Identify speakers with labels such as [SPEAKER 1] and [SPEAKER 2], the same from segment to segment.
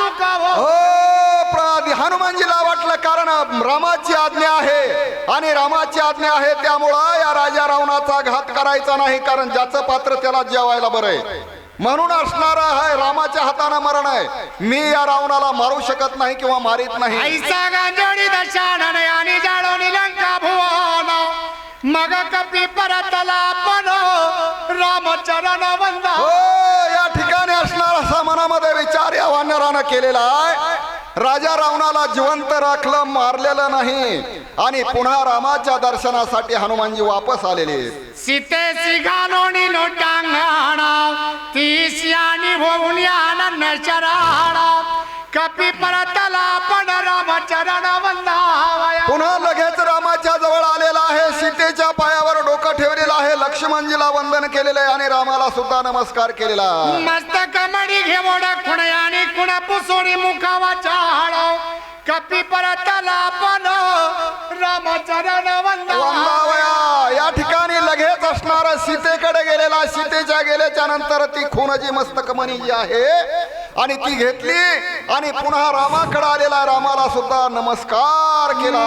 [SPEAKER 1] चुकावो.
[SPEAKER 2] हनुमानजीला वाटलं कारण रामाची आज्ञा आहे आणि रामाची आज्ञा आहे त्यामुळं या राजा रावणाचा घात करायचा नाही, कारण ज्याचं पात्र त्याला जेवायला बरं आहे. म्हणून असणारा आहे रामाच्या हाताने मरण आहे. मी या रावणाला मारू शकत नाही किंवा मारित नाही.
[SPEAKER 1] ऐसा गांजोडी दशानन आणि जाळोनी लंका भुवन मग कपी परतला पण रामचरण वंदा.
[SPEAKER 2] हो, या ठिकाणी असणारा असा मनामध्ये विचार या वानरानं केलेला आहे. राजा रावणाला जिवंत राखलं, मारलेलं नाही. आणि पुन्हा रामाच्या दर्शनासाठी हनुमानजी वापस आलेले.
[SPEAKER 1] सीतेसी घालोणी लोटांगण तीसी आणि होऊन आनंद शरण कपी परतला पण रामचरण वंदावया.
[SPEAKER 2] पुन्हा लगेच रामाच्या जवळ आलेला आहे. सीतेच्या पायावर डोकं ठेवलेलं आहे. लक्ष्मणजीला वंदन केलेलं आहे आणि रामाला सुद्धा नमस्कार केलेला.
[SPEAKER 1] मस्तक मडी घेवड खुण आणि खुण पुसोडी मुखावा चाळ कपी परतला पण रामचरण
[SPEAKER 2] वंदावया. या ठिकाणी लगेच असणारा सीतेकडे गेलेला. सीतेच्या गेल्याच्या नंतर ती खुनाची मस्तकमणी जी आहे आणि ती घेतली आणि पुन्हा रामाकडे आलेला. रामाला सुद्धा नमस्कार केला.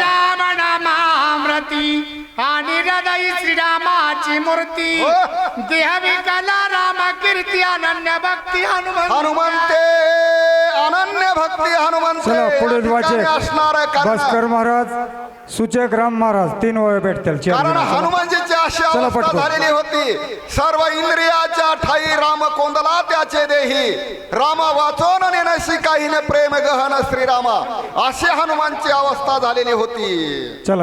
[SPEAKER 1] आणि हृदय श्रीरामाची मूर्ती देह विकला राम कीर्ती अनन्य भक्ती
[SPEAKER 2] हनुमंते अनन्य भक्ती हनुमंते.
[SPEAKER 3] चला पुढील वाचे
[SPEAKER 2] असणार
[SPEAKER 3] भास्कर महाराज, सूचक राम महाराज 3 वेळ भेटतील.
[SPEAKER 2] कारण हनुमानजीची अशी अवस्था झालेली होती. सर्व इंद्रियाच्या ठाई राम कोंदला त्याचे देही राम वाचोन नेनसी काहीने प्रेम गहन श्रीरामा अशी हनुमानची अवस्था झालेली होती.
[SPEAKER 3] चला